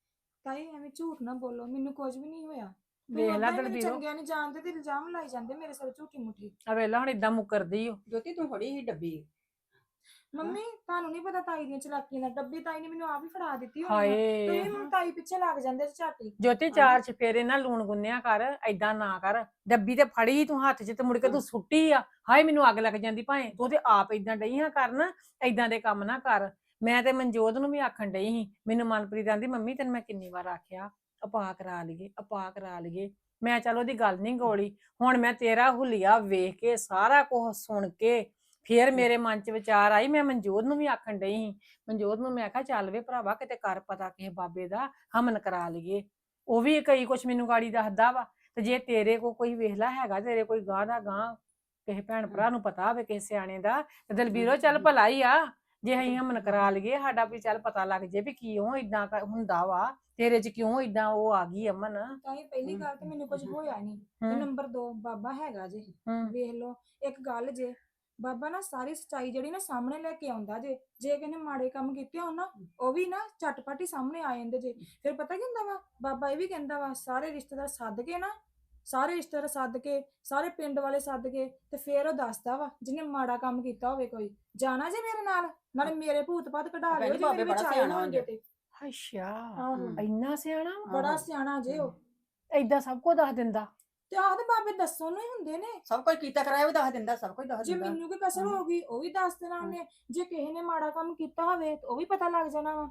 C: ਤਾਈ ਐਵੇਂ ਝੂਠ ਨਾ ਬੋਲੋ, ਮੈਨੂੰ ਕੁਝ ਵੀ ਨਹੀਂ ਹੋਇਆ।
B: ਵੇਖ ਲੈ
C: ਮੈਨੂੰ
B: ਦਲਬੀਰੋ
C: ਚੰਗਿਆ ਨਹੀਂ ਜਾਣਦੇ ਤੇ ਇਲਜ਼ਾਮ ਲਾਈ ਜਾਂਦੇ ਮੇਰੇ ਸਿਰ ਝੂਠੀ ਮੁੱਠੀ।
B: ਆ ਵੇਲਾ ਹੁਣ ਇਦਾਂ ਮੁਕਰਦੀ ਓ।
E: ਜੋਤੀ ਤੂੰ ਫੜੀ ਸੀ ਡੱਬੀ।
C: ਮੰਮੀ ਤੁਹਾਨੂੰ ਨਹੀਂ ਪਤਾ ਤਾਈ ਦੀਆਂ ਚਲਾਕੀਆਂ ਦਾ, ਡੱਬੀ ਤਾਈ ਨੇ ਮੈਨੂੰ ਆਪ ਹੀ ਫੜਾ ਦਿੱਤੀ ਹੋਣੀ ਆ।
B: ਹਾਏ
C: ਤੁਸੀਂ ਹੁਣ ਤਾਈ ਪਿੱਛੇ ਲੱਗ ਜਾਂਦੇ ਝਾਟੀ।
B: ਜੋਤੀ ਚਾਰ ਚਫੇਰੇ ਨਾ ਲੂਣ ਗੁੰਨਿਆ ਕਰ, ਐਦਾਂ ਨਾ ਕਰ। ਡੱਬੀ ਤੇ ਫੜੀ ਤੂੰ ਹੱਥ 'ਚ ਤੇ ਮੁੜ ਕੇ ਤੂੰ ਸੁੱਟੀ ਆ। ਹਾਏ ਮੈਨੂੰ ਅੱਗ ਲੱਗ ਜਾਂਦੀ ਭਾਵੇਂ ਤੂੰ ਤੇ ਆਪ ਐਦਾਂ ਡਈ ਹਾਂ ਕਰਨ, ਐਦਾਂ ਦੇ ਕੰਮ ਨਾ ਕਰ। ਮੈਂ ਤੇ ਮਨਜੋਤ ਨੂੰ ਵੀ ਆਖਣ ਡਈ ਸੀ, ਮੈਨੂੰ ਮਨਪ੍ਰੀਤ ਆਂਦੀ ਮੰਮੀ ਤੈਨੂੰ ਮੈਂ ਕਿੰਨੀ ਵਾਰ ਆਖਿਆ ਆਪਾ ਕਰਾ ਲਈਏ ਆਪਾ ਕਰਾ ਲਈਏ। ਮੈਂ ਚੱਲ ਉਹਦੀ ਗੱਲ ਨਹੀਂ ਗੋਲੀ। ਹੁਣ ਮੈਂ ਤੇਰਾ ਹੁਲੀਆ ਵੇਖ ਕੇ ਸਾਰਾ ਕੁਝ ਸੁਣ ਕੇ ਫੇਰ ਮੇਰੇ ਮਨ 'ਚ ਵਿਚਾਰ ਆਈ, ਮੈਂ ਮਨਜੋਤ ਨੂੰ ਵੀ ਆਖਣ ਡਈ ਸੀ। ਮਨਜੋਤ ਨੂੰ ਮੈਂ ਆਖਿਆ ਚੱਲ ਵੇ ਭਰਾਵਾ ਕਿਤੇ ਕਰ ਪਤਾ ਕਿਸੇ ਬਾਬੇ ਦਾ, ਹਮਨ ਕਰਾ ਲਈਏ। ਉਹ ਵੀ ਕਈ ਕੁਛ ਮੈਨੂੰ ਗਾੜੀ ਦੱਸਦਾ ਵਾ। ਤੇ ਜੇ ਤੇਰੇ ਕੋ ਕੋਈ ਵੇਖਲਾ ਹੈਗਾ, ਤੇਰੇ ਕੋਈ ਗਾਂ ਦਾ ਗਾਂ ਕਿਸੇ ਭੈਣ ਭਰਾ ਨੂੰ ਪਤਾ ਹੋਵੇ ਕਿਸੇ ਸਿਆਣੇ ਦਾ, ਤੇ ਦਲਬੀਰੋ ਚੱਲ ਭਲਾ ਹੀ ਆ ਜੇ ਅਸੀਂ ਹਮਨ ਕਰਾ ਲਈਏ। ਸਾਡਾ ਵੀ ਚੱਲ ਪਤਾ ਲੱਗ ਜੇ ਵੀ ਕਿਉਂ ਇਦਾਂ ਹੁੰਦਾ ਵਾ, ਤੇਰੇ 'ਚ ਕਿਉਂ ਇਦਾਂ ਉਹ ਆ ਗਈ ਅਮਨ।
C: ਤਾਈ ਪਹਿਲੀ ਗੱਲ ਤੇ ਮੈਨੂੰ ਕੁਝ ਹੋਇਆ ਨਹੀਂ, ਤੇ ਨੰਬਰ 2 ਬਾਬਾ ਹੈਗਾ ਜੇ। ਵੇਖ ਲਓ ਇੱਕ ਗੱਲ ਜੇ, ਬਾਬਾ ਨਾ ਸਾਰੀ ਸੱਚਾਈ ਜਿਹੜੀ ਨਾ ਸਾਹਮਣੇ ਲੈ ਕੇ ਆਉਂਦਾ ਜੇ। ਜੇ ਕਿਸੇ ਨੇ ਮਾੜੇ ਕੰਮ ਕੀਤੇ ਹੋਣ ਨਾ, ਉਹ ਵੀ ਨਾ ਝਟਪਟ ਹੀ ਸਾਹਮਣੇ ਆ ਜਾਂਦੇ ਜੇ। ਫਿਰ ਪਤਾ ਕੀ ਹੁੰਦਾ ਵਾ, ਬਾਬਾ ਇਹ ਵੀ ਕਹਿੰਦਾ ਵਾ ਸਾਰੇ ਰਿਸ਼ਤੇਦਾਰ ਸੱਦ ਕੇ ਨਾ, ਸਾਰੇ ਰਿਸ਼ਤੇਦਾਰ ਸੱਦ ਕੇ, ਸਾਰੇ ਪਿੰਡ ਵਾਲੇ ਸੱਦ ਕੇ, ਤੇ ਫਿਰ ਉਹ ਦੱਸਦਾ ਵਾ ਜਿਹਨੇ ਮਾੜਾ ਕੰਮ ਕੀਤਾ ਹੋਵੇ ਕੋਈ। ਜਾਣਾ ਜੇ ਮੇਰੇ ਨਾਲ, ਨਾਲੇ ਮੇਰੇ ਭੂਤ ਭਾਤ ਕਢਾ ਲਿਓ ਜੇ ਮੇਰੇ ਵਿੱਚ ਆਏ ਹੋਣਗੇ ਤੇ।
B: ਅੱਛਾ
C: ਆਹੋ
B: ਇੰਨਾ ਸਿਆਣਾ ਵਾ,
C: ਬੜਾ ਸਿਆਣਾ ਜੇ ਉਹ।
B: ਏਦਾਂ ਸਭ ਕੁਝ ਦੱਸ ਦਿੰਦਾ।
C: ਤੇ ਆਹਦੇ ਬਾਬੇ ਦੱਸਣ ਨੂੰ ਹੀ ਹੁੰਦੇ ਨੇ।
E: ਸਭ ਕੁਝ ਕੀਤਾ ਕਰਾਇਆ ਵੀ ਦੱਸ ਦਿੰਦਾ, ਸਭ ਕੁਝ ਦੱਸ
C: ਜੇ
E: ਦਿੰਦਾ।
C: ਮੈਨੂੰ ਕੋਈ ਕਸਰ ਹੋ ਗਈ ਉਹ ਵੀ ਦੱਸ ਦੇਣਾ ਉਹਨੇ। ਜੇ ਕਿਸੇ ਨੇ ਮਾੜਾ ਕੰਮ ਕੀਤਾ ਹੋਵੇ ਤਾਂ ਉਹ ਵੀ ਪਤਾ ਲੱਗ ਜਾਣਾ ਵਾ।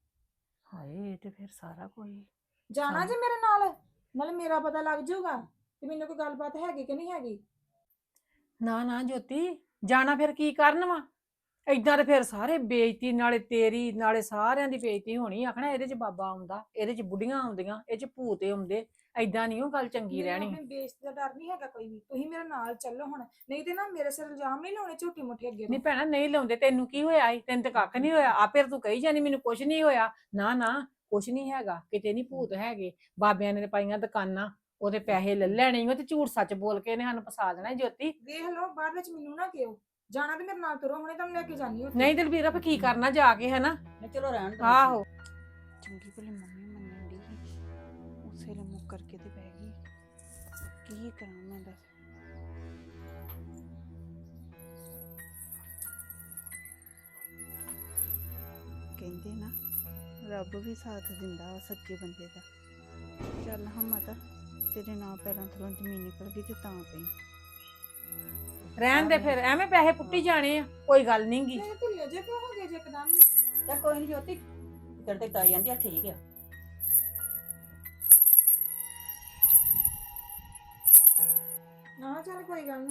B: ਹਾਏ ਇਹ ਤੇ ਫਿਰ ਸਾਰਾ ਕੋਈ
C: ਜਾਣਾ ਜੇ ਮੇਰੇ ਨਾਲ, ਨਾਲੇ ਮੇਰਾ ਪਤਾ ਲੱਗ ਜਾਊਗਾ ਤੇ ਮੈਨੂੰ ਕੋਈ ਗੱਲਬਾਤ ਹੈਗੀ ਕਿ ਨਹੀਂ ਹੈਗੀ।
B: ਨਾ ਨਾ ਜੋਤੀ ਜਾਣਾ ਫਿਰ ਕੀ ਕਰਨ ਵਾ। ਏਦਾਂ ਤੇ ਫਿਰ ਸਾਰੇ ਬੇਇੱਜ਼ਤੀ, ਨਾਲੇ ਤੇਰੀ ਨਾਲੇ ਸਾਰਿਆਂ ਦੀ ਬੇਇੱਜ਼ਤੀ ਹੋਣੀ। ਆਖਣਾ ਇਹਦੇ 'ਚ ਬਾਬਾ ਆਉਂਦਾ, ਇਹਦੇ 'ਚ ਬੁੱਢੀਆਂ ਆਉਂਦੀਆਂ, ਇਹ 'ਚ ਭੂਤ ਆਉਂਦੇ। ਏਦਾਂ ਨਹੀਂ ਉਹ ਗੱਲ ਚੰਗੀ
C: ਮੈਨੂੰ
B: ਰਹਿਣੀ।
C: ਆਪਣੀ ਬੇਇੱਜ਼ਤੀ ਦਾ ਡਰ ਨਹੀਂ ਹੈਗਾ ਕੋਈ ਵੀ। ਤੁਸੀਂ ਮੇਰੇ ਨਾਲ ਚੱਲੋ ਹੁਣ, ਨਹੀਂ ਤੇ ਨਾ ਮੇਰੇ ਸਿਰ ਇਲਜ਼ਾਮ ਨਹੀਂ ਲਾਉਣੇ ਝੂਠੀ ਮੁੱਠੀ ਅੱਗੇ
B: ਨਹੀਂ
C: ਤੋਂ।
B: ਭੈਣਾ ਨਹੀਂ ਲਾਉਂਦੇ, ਤੈਨੂੰ ਕੀ ਹੋਇਆ ਈ? ਤੈਨੂੰ ਤੇ ਕੱਖ ਨਹੀਂ ਹੋਇਆ। ਆਪੇ ਤੂੰ ਕਹੀ ਜਾਨੀ ਮੈਨੂੰ ਕੁਛ ਨਹੀਂ ਹੋਇਆ। ਨਾ ਨਾ ਕੁਛ ਨਹੀਂ ਹੈਗਾ, ਕਿਤੇ ਨਹੀਂ ਭੂਤ ਹੈਗੇ। ਬਾਬਿਆਂ ਨੇ ਤੇ ਪਾਈਆਂ ਦੁਕਾਨਾਂ, ਉਹਦੇ ਪੈਸੇ ਲੈ ਲੈਣੇ ਓ ਤੇ ਝੂਠ ਸੱਚ ਬੋਲ ਕੇ ਇਹਨੇ ਸਾਨੂੰ ਫਸਾ ਦੇਣਾ ਈ ਜੋਤੀ।
C: ਵੇਖ ਲਓ ਬਾਅਦ ਵਿੱਚ ਮੈਨੂੰ ਨਾ ਕਿਹੋ। ਜਾਣਾ ਤੇ ਮੇਰੇ ਨਾਲ ਤੁਰੋ, ਹੁਣੇ ਤੁਹਾਨੂੰ ਲੈ ਕੇ ਜਾਨੀ ਉੱਥੇ।
B: ਨਹੀਂ ਦਲਬੀਰ ਫਿਰ ਕੀ ਕਰਨਾ ਜਾ ਕੇ, ਹੈ ਨਾ।
E: ਨਹੀਂ ਚਲੋ ਰਹਿਣ ਦੋ।
B: ਆਹੋ
D: ਚੰਗੀ ਭਲੀ ਮੰਮੀ ਮੰਨਣ ਦੀ ਸੀ, ਉਸੇ ਲਈ ਮੁੱਕਰ ਕੇ ਤੇ ਬਹਿ ਗਈ। ਕੀ ਕਰਾਂ ਮੈਂ ਦੱਸ। ਕਹਿੰਦੇ ਨਾ ਰੱਬ ਵੀ ਸਾਥ ਦਿੰਦਾ ਵਾ ਸੱਚੇ ਬੰਦੇ ਦਾ। ਚੱਲ ਹਮਤ, ਤੇਰੇ ਨਾਂ ਪੈਰਾਂ ਥੱਲੋਂ ਜ਼ਮੀਨ ਨਿਕਲ ਗਈ ਤੇ ਤਾਂ ਪਈ।
B: ਰਹਿਣ ਦੇ ਫਿਰ, ਐਵੇਂ ਪੈਸੇ ਪੁੱਟੀ ਜਾਣੇ ਆ, ਕੋਈ ਗੱਲ ਨੀ ਗੀ।
C: ਮੇਰੇ ਢਿੱਲੇ ਜੇ ਕਿਉਂ ਹੋ ਗਏ ਜੇ ਇੱਕਦਮ ਹੀ?
E: ਚੱਲ ਕੋਈ ਨਹੀਂ ਜੋਤੀ, ਤੇਰੇ ਤੇ ਤਾਈ ਜਾਂਦੀ ਆ ਠੀਕ ਆ।
C: ਨਾ ਚੱਲ ਕੋਈ ਗੱਲ ਨਹੀਂ।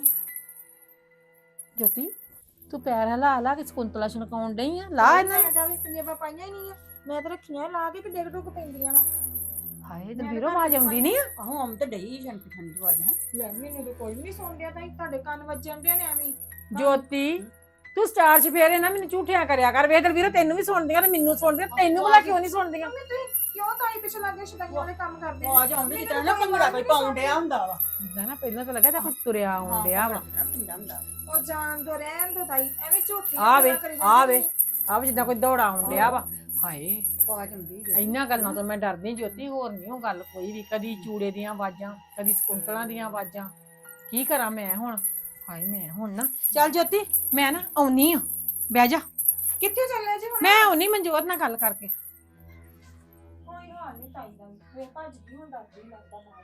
B: ਜੋਤੀ ਤੂੰ ਪੈਰ ਹਿਲਾ ਲਾ ਕੇ ਸਕੁੰਤਲਾ ਛਣਕਾਉਣ ਡਈ ਆ। ਲਾ ਇਹਨਾਂ
C: ਮੈਂ ਤਾਂ ਵੀ ਪੰਜਾਬਾ ਪਾਈਆਂ ਹੀ ਨਹੀਂ ਆ, ਮੈਂ ਤਾਂ ਰੱਖੀਆਂ ਲਾ ਕੇ ਤੇ ਡਿੱਗ ਡੁੱਗ ਪੈਂਦੀਆਂ ਵਾ।
B: ਹਾਏ ਦਲਬੀਰੋ ਆਵਾਜ਼ ਆਉਂਦੀ ਨਹੀਂ ਆ।
E: ਆਹੋ ਆਮ ਤੇ ਡਈ ਜੰਟ ਠੰਡੀ ਆਵਾਜ਼ ਹੈ।
C: ਲੈ ਮੈਨੂੰ ਤਾਂ ਕੋਈ ਵੀ ਨਹੀਂ ਸੁਣ ਰਿਹਾ, ਤਾਂ ਤੁਹਾਡੇ ਕੰਨ ਵੱਜਣ ਦੇ ਨੇ ਐਵੇਂ ਹੀ।
B: ਜੋਤੀ ਤੂੰ ਸਟਾਰ ਚ ਫੇਰੇ ਨਾ ਮੈਨੂੰ ਝੂਠਿਆਂ ਕਰਿਆ ਕਰ। ਵੇਖ ਦਲਬੀਰੋ ਤੈਨੂੰ ਵੀ ਸੁਣਦੀਆਂ ਤੇ ਮੈਨੂੰ ਸੁਣਦੀਆਂ, ਤੈਨੂੰ ਭਲਾ ਕਿਉਂ ਨਹੀਂ ਸੁਣਦੀਆਂ?
C: ਮੰਮੀ ਤੁਸੀਂ ਕਿਉਂ ਤਾਈ ਪਿੱਛੇ ਲੱਗੇ ਸ਼ਦਾਈਆਂ ਵਾਲੇ ਕੰਮ ਕਰਦੇ
E: ਆਵਾਜ਼ ਆਉਂਦੀ ਜਿੱਦਾਂ ਨਾ ਭੰਗੜਾ ਕੋਈ ਪਾਉਣ ਡਿਆ ਹੁੰਦਾ ਵਾ।
B: ਇਦਾਂ ਨਾ ਪਹਿਲਾਂ ਤਾਂ ਲੱਗਾ ਤਾਂ ਕੋਈ ਤੁਰਿਆ ਆਉਣ ਡਿਆ ਵਾ।
E: ਪਿੰਡਾ ਹੁੰਦਾ।
C: ਉਹ ਜਾਣ ਦੋ ਰਹਿਣ ਦੋ ਤਾਈ, ਐਵੇਂ ਝੂਠੀ
B: ਆ ਵੇ ਆ ਵੇ ਆ ਵੇ ਜਿੱਦਾਂ ਕੋਈ ਦੌੜਾ ਆਉਣ ਡਿਆ ਵਾ। ਹਾਏ
E: ਆਵਾਜ਼ ਆਉਂਦੀ ਜੋ।
B: ਇੰਨਾ ਗੱਲਾਂ ਤੋਂ ਮੈਂ ਡਰਦੀ ਜੋਤੀ, ਹੋਰ ਨਹੀਂ ਉਹ ਗੱਲ ਕੋਈ ਵੀ। ਕਦੀ ਚੂੜੇ ਦੀਆਂ ਆਵਾਜ਼ਾਂ, ਕਦੀ ਸਕੁੰਤਲਾਂ ਦੀਆਂ ਆਵਾਜ਼ਾਂ। ਕੀ ਕਰਾਂ ਮੈਂ ਹੁਣ? ਹਾਏ ਮੈਂ ਹੁਣ ਨਾ ਚੱਲ ਜੋਤੀ ਮੈਂ ਨਾ ਆਉਣੀ ਆ, ਬਹਿ ਜਾ।
C: ਕਿੱਥੇ ਚੱਲੇ ਜੀ ਹੁਣ?
B: ਮੈਂ ਆਉਣੀ ਮਨਜੋਤ ਨਾਲ ਗੱਲ ਕਰਕੇ।
C: ਕੋਈ ਹਾਲ ਨਹੀਂ ਤਾਈ ਦਾ, ਵੇ ਭੱਜ ਗਈ ਹੁਣ, ਡਰਦੀ ਲੱਗਦਾ ਬਾਹਰ।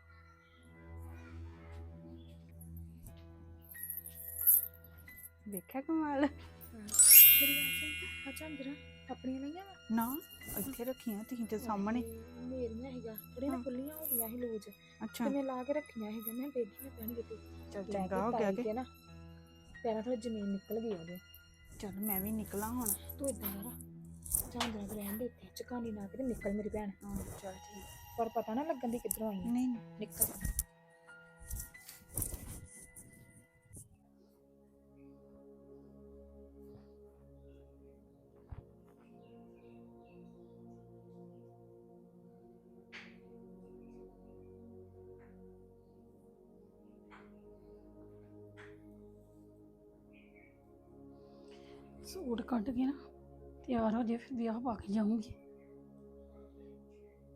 D: ਵੇਖਿਆ ਕਮਾਲ।
C: ਮੇਰੀ ਗੱਲ ਸੁਣ, ਅੱਛਾ ਜਰਾ ਆਪਣੀਆਂ ਲਈਆਂ ਵਾ?
D: ਨਾ ਇੱਥੇ ਰੱਖੀਆਂ ਤੁਸੀਂ ਤੇ ਸਾਹਮਣੇ।
C: ਮੇਰੀਆਂ ਹੈਗਾ ਥੋੜੀਆਂ ਨਾ ਖੁੱਲੀਆਂ ਹੋ ਗਈਆਂ ਸੀ ਲੂਜ,
D: ਅੱਛਾ
C: ਤੇ ਮੈਂ ਲਾ ਕੇ ਰੱਖੀਆਂ ਹੈਗਾ। ਮੈਂ ਦੇਖੀ ਨਾ ਪੈਣ ਕਿਤੇ
D: ਚੱਲ
C: ਲੈ
D: ਚੰਗਾ
C: ਕੇ
D: ਹੋ ਗਿਆ
C: ਤਾਈ
D: ਕਿ
C: ਤੇ ਨਾ ਪੈਰਾਂ ਥੋੜੀ ਜ਼ਮੀਨ ਨਿਕਲ ਗਈ ਉਹਦੇ।
D: ਚੱਲ ਮੈਂ ਵੀ ਨਿਕਲਾਂ ਹੁਣ।
C: ਤੂੰ ਇਦਾਂ ਕਰ, ਚਾਂਦਰਾ ਤੇ ਰਹਿਣ ਦੇ ਇੱਥੇ, ਚਕਾਨੀ ਨਾ ਕਿਤੇ ਨਿਕਲ ਮੇਰੀ ਭੈਣ।
D: ਹਾਂ ਚੱਲ ਠੀਕ।
C: ਪਰ ਪਤਾ ਨਾ ਲੱਗਣ ਦੀ ਕਿੱਧਰੋਂ ਆਈ ਆ।
D: ਨਹੀਂ
C: ਨਿਕਲ।
F: ਸੂਟ ਕੱਢ ਕੇ ਨਾ ਤਿਆਰ ਹੋ ਜੇ, ਫਿਰ ਵਿਆਹ ਪਾ ਕੇ ਜਾਊਂਗੀ।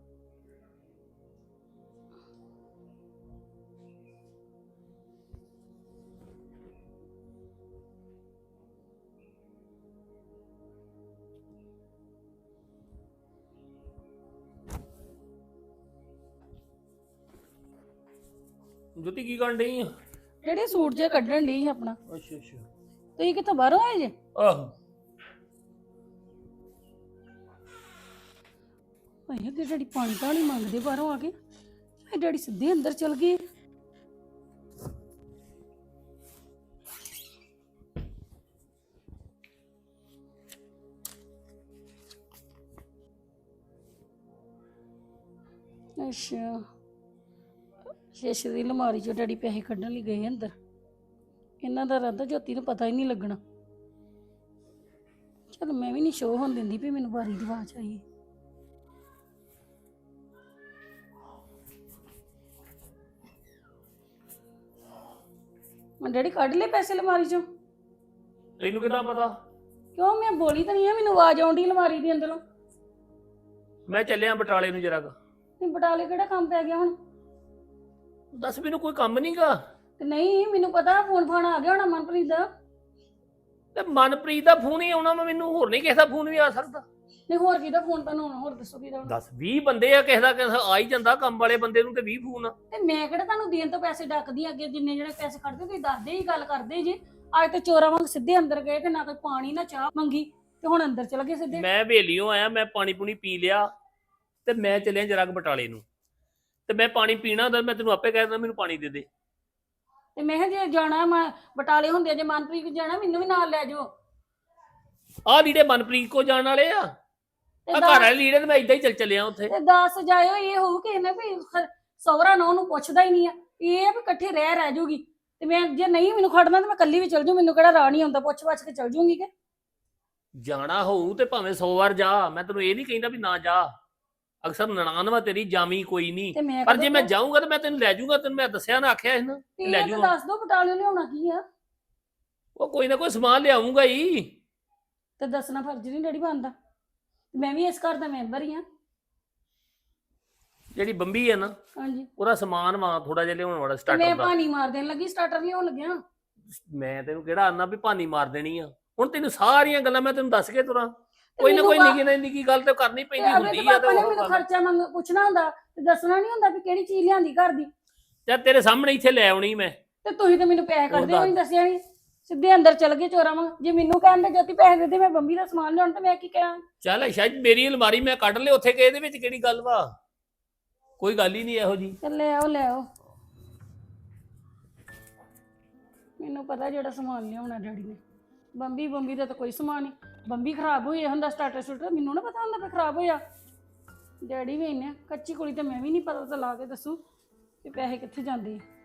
F: ਜੋਤੀ ਕੀ ਕਰਨ ਡਈ ਆ?
G: ਜਿਹੜੇ ਸੂਟ ਜੇ ਕੱਢਣ ਲਈ ਆਪਣਾ।
F: ਅੱਛਾ ਅੱਛਾ।
G: ਤੁਸੀਂ ਕਿੱਥੋਂ ਬਾਹਰੋਂ ਆਏ ਜੇ?
F: ਆਹੋ।
G: ਭਾਈ ਅੱਗੇ ਡੈਡੀ ਪਾਣੀ ਤਾਂ ਨਹੀਂ ਮੰਗਦੇ ਬਾਹਰੋਂ ਆ ਕੇ। ਇਹ ਡੈਡੀ ਸਿੱਧੇ ਅੰਦਰ ਚਲ ਗਏ। ਅੱਛਾ, ਸ਼ੀਸ਼ੇ ਦੀ ਅਲਮਾਰੀ ਚੋਂ ਡੈਡੀ ਪੈਸੇ ਕੱਢਣ ਲਈ ਗਏ ਅੰਦਰ। ਇਹਨਾਂ ਦਾ ਇਰਾਦਾ ਜੋਤੀ ਨੂੰ ਪਤਾ ਹੀ ਨਹੀਂ ਲੱਗਣਾ। ਚਲ ਮੈਂ ਵੀ ਨਹੀਂ ਸ਼ੋਅ ਹੋਣ ਦਿੰਦੀ ਵੀ ਮੈਨੂੰ ਬਾਰੀ ਦੀ ਆਵਾਜ਼ ਆਈ। ਮੈਂ ਡੈਡੀ ਕੱਢ ਲਏ ਪੈਸੇ ਅਲਮਾਰੀ ਚੋਂ।
F: ਤੈਨੂੰ ਕਿੱਦਾਂ ਪਤਾ?
G: ਕਿਉਂ ਮੈਂ ਬੋਲੀ ਤਾਂ ਨਹੀਂ ਆ, ਮੈਨੂੰ ਆਵਾਜ਼ ਆਉਂਦੀ ਅਲਮਾਰੀ ਦੇ ਅੰਦਰੋਂ।
F: ਮੈਂ ਚੱਲਿਆ ਬਟਾਲੇ ਨੂੰ ਜਰਾ।
G: ਤੇ ਬਟਾਲੇ ਕਿਹੜਾ ਕੰਮ ਪੈ ਗਿਆ ਹੁਣ?
F: ਦੱਸ ਮੈਨੂੰ ਕੋਈ ਕੰਮ ਨਹੀਂਗਾ।
G: ਤੇ ਨਹੀਂ ਮੈਨੂੰ ਪਤਾ ਫੋਨ ਫਾਨ ਆ ਗਿਆ ਹੋਣਾ ਮਨਪ੍ਰੀਤ ਦਾ।
F: ਤੇ ਮਨਪ੍ਰੀਤ ਦਾ ਫੋਨ ਹੀ ਆਉਣਾ ਵਾ, ਮੈਨੂੰ ਹੋਰ ਨਹੀਂ ਕਿਸੇ ਦਾ ਫੋਨ ਵੀ ਆ ਸਕਦਾ।
G: ਨਹੀਂ ਹੋਰ ਕਿਹਦਾ ਫੋਨ ਤੁਹਾਨੂੰ ਆਉਣਾ? ਹੋਰ ਦੱਸੋ ਕਿਹਦਾ ਆਉਣਾ?
F: ਦੱਸ 20 ਬੰਦੇ ਆ, ਕਿਸੇ ਦਾ ਆ ਹੀ ਜਾਂਦਾ ਕੰਮ ਵਾਲੇ ਬੰਦੇ ਨੂੰ ਤੇ 20 ਫੋਨ ਆ।
G: ਤੇ ਮੈਂ ਕਿਹੜਾ ਤੁਹਾਨੂੰ ਦੇਣ ਤੋਂ ਪੈਸੇ ਡੱਕਦੀ ਅੱਗੇ ਜਿੰਨੇ ਜਿਹੜੇ ਪੈਸੇ ਕੱਢਦੇ ਤੁਸੀਂ ਦੱਸਦੇ ਹੀ ਗੱਲ ਕਰਦੇ ਜੀ। ਅੱਜ ਤੇ ਚੋਰਾਂ ਵਾਂਗ ਸਿੱਧੇ ਅੰਦਰ ਗਏ ਤੇ ਨਾ ਕੋਈ ਪਾਣੀ ਨਾ ਚਾਹ ਮੰਗੀ ਤੇ ਹੁਣ ਅੰਦਰ ਚਲ ਗਏ ਸਿੱਧੇ।
F: ਮੈਂ ਵੇਲੀਓ ਆਇਆ, ਮੈਂ ਪਾਣੀ ਪੂਣੀ ਪੀ ਲਿਆ ਤੇ ਮੈਂ ਚੱਲਿਆ ਜਰਾ ਬਟਾਲੇ ਨੂੰ। ਤੇ ਮੈਂ ਪਾਣੀ ਪੀਣਾ ਹੁੰਦਾ, ਮੈਂ ਤੈਨੂੰ ਆਪੇ ਕਹਿ ਦਿੰਦਾ ਮੈਨੂੰ ਪਾਣੀ ਦੇ ਦੇ।
G: ਤੇ ਮੈਂ ਕਿਹਾ ਜੇ ਜਾਣਾ ਮੈਂ ਬਟਾਲੇ ਹੁੰਦੇ ਜੇ ਮਨਪ੍ਰੀਤ ਜਾਣਾ ਮੈਨੂੰ ਵੀ ਨਾਲ ਲੈ ਜਾਓ।
F: ਆਹ ਲੀੜੇ ਮਨਪ੍ਰੀਤ ਕੋ ਜਾਣ ਵਾਲੇ ਆ।
G: ਤੇ
F: ਆ ਘਰ ਵਾਲੇ ਲੀੜੇ ਤੇ ਮੈਂ ਇਦਾਂ ਹੀ ਚੱਲਿਆ ਉੱਥੇ।
G: ਤੇ 10 ਜਾਇਓ, ਇਹ ਹੋਊ ਕਿ ਇਹਨੇ ਵੀ ਸਹੁਰਾ ਨਾ ਉਹਨੂੰ ਪੁੱਛਦਾ ਹੀ ਨਹੀਂ ਆ। ਇਹ ਵੀ ਇਕੱਠੇ ਰਹਿ ਜੂਗੀ। ਤੇ ਮੈਂ ਜੇ ਨਹੀਂ ਮੈਨੂੰ ਖੜਨਾ ਤੇ ਮੈਂ ਇਕੱਲੀ ਵੀ ਚਲ ਜੂ, ਮੈਨੂੰ ਕਿਹੜਾ ਰਾਹ ਨਹੀਂ ਆਉਂਦਾ, ਪੁੱਛ ਕੇ ਚਲ ਜੂਗੀ ਕਿ
F: ਜਾਣਾ ਹੋਊ ਤੇ ਭਾਵੇਂ 100 ਵਾਰ ਜਾ, ਮੈਂ ਤੈਨੂੰ ਇਹ ਨਹੀਂ ਕਹਿੰਦਾ ਵੀ ਨਾ ਜਾ। ਅਕਸਰ ਨਨਾਣ ਵਾ ਤੇਰੀ, ਜਾਵੀਂ ਕੋਈ ਨਹੀਂ।
G: ਤੇ ਮੈਂ
F: ਪਰ ਜੇ ਮੈਂ ਜਾਊਂਗਾ ਤੇ ਮੈਂ ਤੈਨੂੰ ਲੈ ਜਾਊਂਗਾ। ਤੈਨੂੰ ਮੈਂ ਦੱਸਿਆ ਨਾ, ਆਖਿਆ ਸੀ ਨਾ ਲੈ
G: ਲੈ
F: ਜਾਊਂਗਾ।
G: ਦੱਸ ਦੋ ਬਟਾਲੇ ਲਿਆਉਣਾ ਕੀ ਆ?
F: ਉਹ ਕੋਈ ਨਾ ਕੋਈ ਸਮਾਨ ਲਿਆਉਂਗਾ ਹੀ।
G: ਤੇ ਦੱਸਣਾ ਫਰਜ਼ ਨਹੀਂ ਡੈਡੀ ਬਣਦਾ। ਮੈਂ ਵੀ ਇਸ ਘਰ ਦਾ ਮੈਂਬਰ ਹੀ ਆ।
F: ਜਿਹੜੀ ਬੰਬੀ ਹੈ ਨਾ,
G: ਹਾਂਜੀ,
F: ਉਹਦਾ ਸਮਾਨ ਵਾ ਥੋੜਾ ਜਿਹਾ ਲਿਆਉਣ ਵਾਲਾ
G: ਤੇ
F: ਸਟਾਰਟਰ
G: ਮੈਂ
F: ਦਾ।
G: ਪਾਣੀ ਮਾਰ ਦੇਣ ਲੱਗੀ, ਸਟਾਰਟਰ ਲਿਆਉਣ ਲੱਗਿਆ।
F: ਮੈਂ ਤੈਨੂੰ ਕਿਹੜਾ ਆਨਾ ਵੀ ਭਾਨੀ ਮਾਰ ਦੇਣੀ ਆ। ਹੁਣ ਤੈਨੂੰ ਸਾਰੀਆਂ ਗੱਲਾਂ ਮੈਂ ਤੈਨੂੰ ਦੱਸ ਕੇ ਤੁਰਾਂ।
G: ਤੇ
F: ਕੋਈ ਨਾ ਕੋਈ
G: ਮੈਨੂੰ
F: ਨਿੱਕੀ ਨਾ ਨਿੱਕੀ ਗੱਲ ਤੇ ਕਰਨੀ ਪੈਂਦੀ
G: ਅਗਲੇ
F: ਹੁੰਦੀ
G: ਦੇ
F: ਆ। ਤੇ
G: ਪਾਪਾ ਨੇ
F: ਉਹ
G: ਮੈਨੂੰ
F: ਗੱਲ
G: ਖਰਚਾ ਪੁੱਛਣਾ ਹੁੰਦਾ ਤੇ ਦੱਸਣਾ ਨਹੀਂ ਹੁੰਦਾ ਵੀ ਕਿਹੜੀ ਚੀਜ਼ ਲਿਆਂਦੀ ਘਰ ਦੀ।
F: ਜਾਂ ਤੇਰੇ ਸਾਹਮਣੇ ਇੱਥੇ ਲੈ ਆਉਣੀ ਮੈਂ।
G: ਤੇ ਤੁਸੀਂ ਤੇ ਮੈਨੂੰ ਪੈਸੇ
F: ਉਹ
G: ਕੱਢਦੇ ਨਹੀਂ ਦੱਸਿਆ ਨਹੀਂ, ਸਿੱਧੇ ਅੰਦਰ ਚਲ ਗਏ ਚੋਰਾਂ ਵਾਂਗ। ਜੇ ਮੈਨੂੰ ਕਹਿੰਦੇ ਜੋਤੀ ਪੈਸੇ ਦੇ ਦੇ ਮੈਂ ਬੰਬੀ ਦਾ ਸਮਾਨ ਲਿਆਉਣ ਤੇ ਮੈਂ ਕੀ ਕਰਾਂ?
F: ਚੱਲ ਸ਼ਾਇਦ ਮੇਰੀ ਅਲਮਾਰੀ ਮੈਂ ਕੱਢ ਲਿਆ ਉੱਥੇ, ਕਿ ਇਹਦੇ ਵਿੱਚ ਕਿਹੜੀ ਗੱਲ ਵਾ? ਕੋਈ ਗੱਲ ਹੀ ਨਹੀਂ ਇਹੋ ਜੀ।
G: ਚੱਲ ਲੈ ਆਓ। ਮੈਨੂੰ ਪਤਾ ਜਿਹੜਾ ਸਮਾਨ ਲਿਆਉਣਾ ਡੈਡੀ ਨੇ। ਬੰਬੀ ਦਾ ਤਾਂ ਕੋਈ ਸਮਾਨ ਨਹੀਂ। ਬੰਬੀ ਖਰਾਬ ਹੋਈ ਹੁੰਦਾ, ਸਟਾਰਟਰ ਸ਼ੂਟਰ ਮੈਨੂੰ ਨਾ ਪਤਾ ਹੁੰਦਾ ਵੀ ਖਰਾਬ ਹੋਇਆ। ਡੈਡੀ ਵੀ ਇੰਨੇ ਕੱਚੀ ਕੁੜੀ ਤੇ ਮੈਂ ਵੀ ਨਹੀਂ, ਪਤਾ ਤਾਂ ਲਾ ਕੇ ਦੱਸੂ ਵੀ ਪੈਸੇ ਕਿੱਥੇ ਜਾਂਦੇ ਆ।